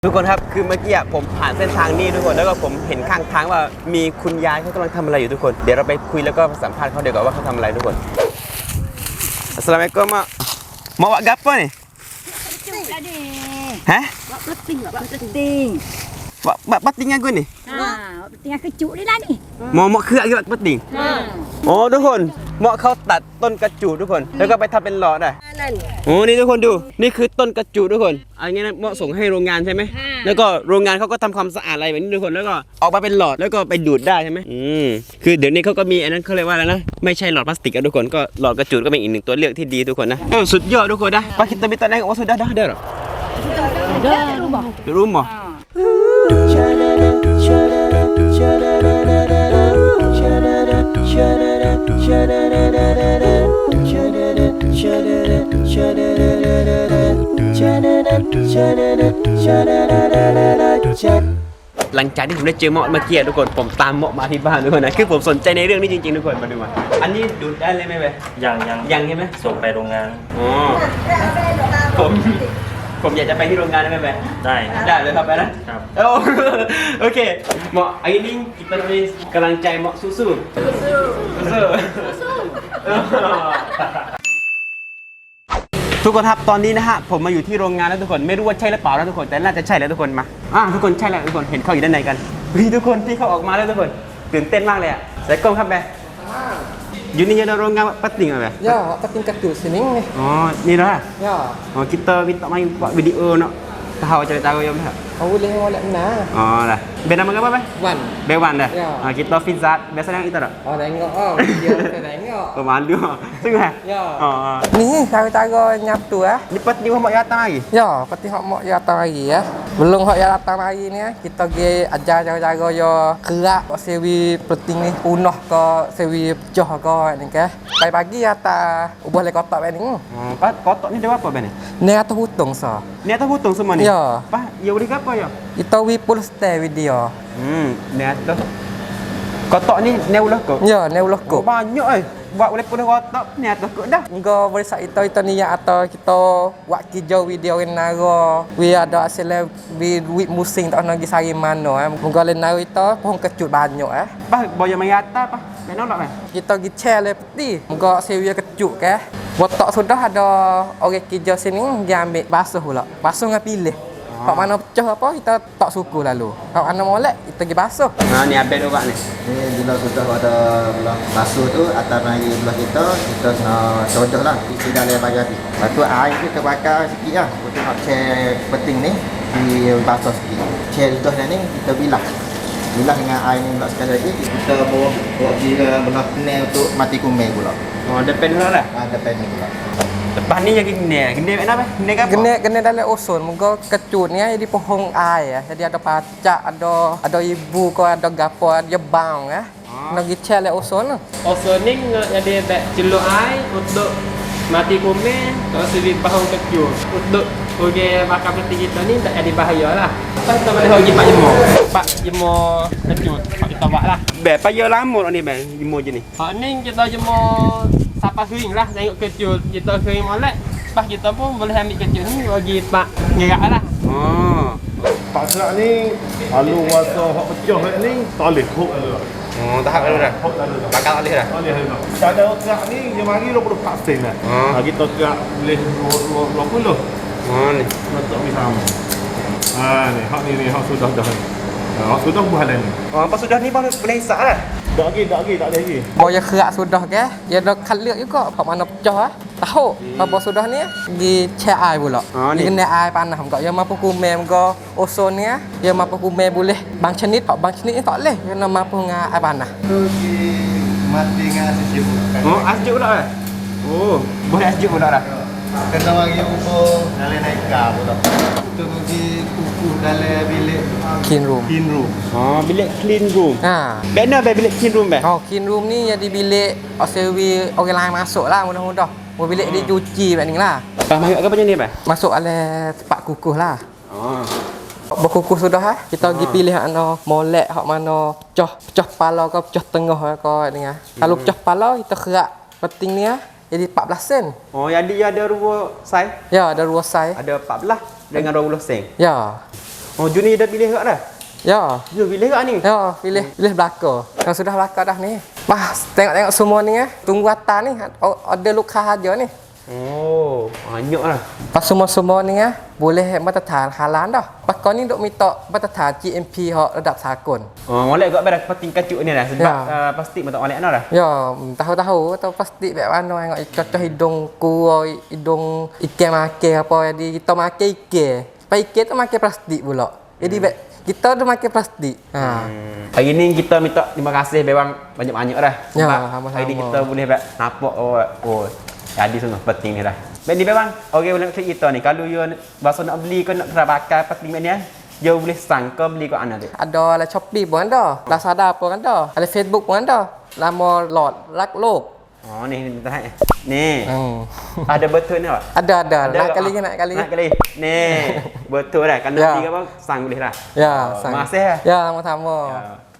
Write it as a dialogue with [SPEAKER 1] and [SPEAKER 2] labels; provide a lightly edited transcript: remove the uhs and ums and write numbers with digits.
[SPEAKER 1] ทุกคนครับคือเมื่อกี้ผมผ่านเส้นทางนี้ทุกคนแล้วก็ผมเห็นข้างทางว่ามีคุณยายเขากำลังทำอะไรอยู่ทุกคนเดี๋ยวเราไปคุยแล้วก็สัมภาษณ์เขาเดี๋ยวก่อนว่าเขาทำอะไรทุกคนAssalamualaikum mak mau buat gapo ni hah
[SPEAKER 2] Buat peting, buat peting.
[SPEAKER 1] buat peting aku ni
[SPEAKER 2] Peting kecut ni lah ni.
[SPEAKER 1] mau kerak ke buat peting อ๋อทุกคนเมาะเขาตัดต้นกระจูดทุกคนแล้วก็ไปทำเป็นหลอดได้โอ้นี่ทุกคนดูนี่คือต้นกระจูดทุกคนอันนี้นะเมาะส่งให้โรงงานใช่ไหมแล้วก็โรงงานเขาก็ทำความสะอาดอะไรแบบนี้ทุกคนแล้วก็ออกมาเป็นหลอดแล้วก็ไปดูดได้ใช่ไหมคือเดี๋ยวนี้เขาก็มีอันนั้นเขาเรียกว่าอะไรนะไม่ใช่หลอดพลาสติกอะทุกคนก็หลอดกระจูดก็เป็นอีกหนึ่งตัวเลือกที่ดีทุกคนนะสุดยอดทุกคนนะpak kita minta naik oh sudah dah ada di rumahหลังจากที่ผมได้เจอเมาะเมื่อกี้ทุกคนผมตามเมาะมาที่บ้านทุกคนนะคือผมสนใจในเรื่องนี้จริงๆทุกคนมาดูมาอันนี้ดูดได้เลยไหมเว้ยยังใช่ไหม
[SPEAKER 3] ส่งไปโรงงาน
[SPEAKER 1] อ๋อผมอยากจะไปที่โรงงานได้ไหมเว้ยได้เลยครับไปนะครับโอเคเมาะอันนี้kita beri กำลังใจเมาะสู้ทุกคนครับตอนนี้นะฮะผมมาอยู่ที่โรงงานแล้วทุกคนไม่รู้ว่าใช่หรือเปล่านะทุกคนแต่น่าจะใช่แล้วทุกคนมาทุกคนใช่แล้วทุกคนเห็นเขาอยู่ด้านในกันทุกคนที่เขาออกมาแล้วทุกคนตื่นเต้นมากเลยอ่ะใส่กล้องครับแบอยู่นี่adaโรงงานpeting apa
[SPEAKER 4] ya peting kecut sini nih
[SPEAKER 1] oh ni dah
[SPEAKER 4] ya
[SPEAKER 1] kita minta main buat video nak tahu cerita kau yang dah
[SPEAKER 4] boleh boleh mana
[SPEAKER 1] dah benda nama apa
[SPEAKER 4] Wan
[SPEAKER 1] Bewan dah kita Fizzat biasanya kita dah
[SPEAKER 4] tengok dia tengok
[SPEAKER 1] malu sungguh
[SPEAKER 4] ya ni cara-cara nyatu
[SPEAKER 1] ni peti hok ya datang lagi
[SPEAKER 4] ya peti hok mak ya datang lagi ya belum hok ya datang lagi ni kita pergi ajar cara-cara yo kerak sewi peting ni punah ke sewi pecah ke ni ke pagi atas ubah le kotak ni
[SPEAKER 1] kotak ni dia apa ben
[SPEAKER 4] ni atas hutung sa
[SPEAKER 1] ni atas hutung semua ni
[SPEAKER 4] ya
[SPEAKER 1] apa ya boleh apa ya
[SPEAKER 4] kita wi full stay video
[SPEAKER 1] ni atas kotak ni neulah kok
[SPEAKER 4] ya neulah kok
[SPEAKER 1] banyak buat boleh pun kotak ni atas kok dah
[SPEAKER 4] engkau boleh sak itu ni ya atau kita buat kijau video naro we ada hasil we musim tak nak pergi sari mana engkau le naro itu pohon kecut banyak
[SPEAKER 1] bah boya mai atas apa benar tak
[SPEAKER 4] kita pergi share le peti engkau sewa kecut ke botak sudah ada orang kijau sini dia ambil basuh pula basuh dengan pilih hak mana pecah apa kita tak suku lalu hak mana molek kita pergi basuh
[SPEAKER 1] ni update orang ni
[SPEAKER 5] bila sudah ada belah basuh tu atas mari belah kita kena sodoh lah isi dalam bagian ni lepas tu air tu terbakar sikit lah untuk nak share peting ni di basuh sikit share sudah ni kita bilah dengan air ni pula sekali lagi kita bawa pergi ke belah penel untuk mati kumel pula
[SPEAKER 1] depan pula lah
[SPEAKER 5] depan ni pula
[SPEAKER 1] depan ni yang gini apa gini apa
[SPEAKER 4] gini dalam oson muka kecut ni jadi pohon air jadi ada pacak ada ibu ko ada gapo ada bang nak gicel le oson
[SPEAKER 3] Ozoning jadi celup air untuk mati kumen atau sebi pohon kecut untuk uji bakar peti kita ni tak jadi bahaya lah kita boleh pergi Pak Jemo kecut kita buat lah
[SPEAKER 1] payah lama ni bang jemur je ni
[SPEAKER 3] ni kita jemur sampai kering lah tengok kecut kita kering molek pas kita pun boleh ambil kecut ni bagi pak ngerak lah
[SPEAKER 6] pak serak ni kalau masa hak pecah ni tak boleh hook
[SPEAKER 1] tahap lalu dah bakal alih dah
[SPEAKER 6] cara kerak ni dia mari 20% dah kita kerak boleh 20
[SPEAKER 1] ni
[SPEAKER 6] untuk misam ni hak ni hak sudah dah hak sudah buah dah ni
[SPEAKER 1] apa sudah ni boleh hisap lah
[SPEAKER 6] tak lagi tak lagi
[SPEAKER 4] boya kerak sudah ke dia ada kalir juga hak mana pecah tahu apa sudah ni di share air pula ni kena air panas enggak yang mampu kumem ke ozon ni yang mampu kumem boleh bang cenit ni tak boleh kena mampu dengan air panas
[SPEAKER 5] mati dengan asjib
[SPEAKER 1] asjib pula boleh asjib pula dah
[SPEAKER 5] kena bagi ukur dalam naik kar pula tu pergi kukuh dalam bilik
[SPEAKER 4] clean room
[SPEAKER 1] bilik clean room benar bilik clean room
[SPEAKER 4] clean room ni jadi bilik sewi orang lain masuk lah mudah-mudah bilik dia cuci macam ni lah
[SPEAKER 1] Pak masuk ke macam ni
[SPEAKER 4] masuk oleh tempat kukuh lah berkukuh sudah kita pergi pilih mana molek hak mana pecah kepala ke pecah tengah ke ni kalau pecah kepala kita kerak peting ni jadi 14 sen.
[SPEAKER 1] Jadi ada 2 saiz.
[SPEAKER 4] Ya, ada 2 saiz.
[SPEAKER 1] Ada 14 dengan 20 sen.
[SPEAKER 4] Ya.
[SPEAKER 1] Oh, Juni dah pilih kat dah?
[SPEAKER 4] Ya.
[SPEAKER 1] You pilih kat ni?
[SPEAKER 4] Ya, pilih belakang. Yang sudah belakang dah ni. Bah, tengok-tengok semua ni tunggu atas ni. Ada luka aja ni.
[SPEAKER 1] Oh, banyak lah.
[SPEAKER 4] Pas semua ni boleh matathan halal dah. Pas kau ni duk minta matathan GMP hak redap sากล.
[SPEAKER 1] Oh, molek kat pada peti kacut ni dah sebab
[SPEAKER 4] Ya.
[SPEAKER 1] plastik tak molek dah.
[SPEAKER 4] Ya, tahu-tahu atau plastik bek mana tengok cocok hidung ku, hidung ikan makan apa jadi kita makan ikan. Pas ikan tu makan plastik pula. Jadi bek kita tu makan plastik. Ha.
[SPEAKER 1] Hari ni kita minta terima kasih bang banyak-banyak dah.
[SPEAKER 4] Ya,
[SPEAKER 1] Sebab
[SPEAKER 4] sama-sama.
[SPEAKER 1] hari ni kita boleh nampak oh jadi semua penting ni dah. Baik ni bang. Okey boleh klik kita ni. Kalau you bahasa nak beli ke nak pakai penting ni you boleh sang ke beli kat mana tu.
[SPEAKER 4] Ada lah Shopee pun ada, Lazada pun ada, ada Facebook pun ada. Lama lot rak lok.
[SPEAKER 1] Oh ni tak ni.
[SPEAKER 4] Hmm.
[SPEAKER 1] Ada betul ni tak?
[SPEAKER 4] Ada. Nak kali ke?
[SPEAKER 1] Nak kali. Ni. Betul dah. Kan nak
[SPEAKER 4] Ya.
[SPEAKER 1] beli ke apa sang boleh dah.
[SPEAKER 4] Ya,
[SPEAKER 1] Terima kasih.
[SPEAKER 4] Ya, sama-sama.
[SPEAKER 1] Ya.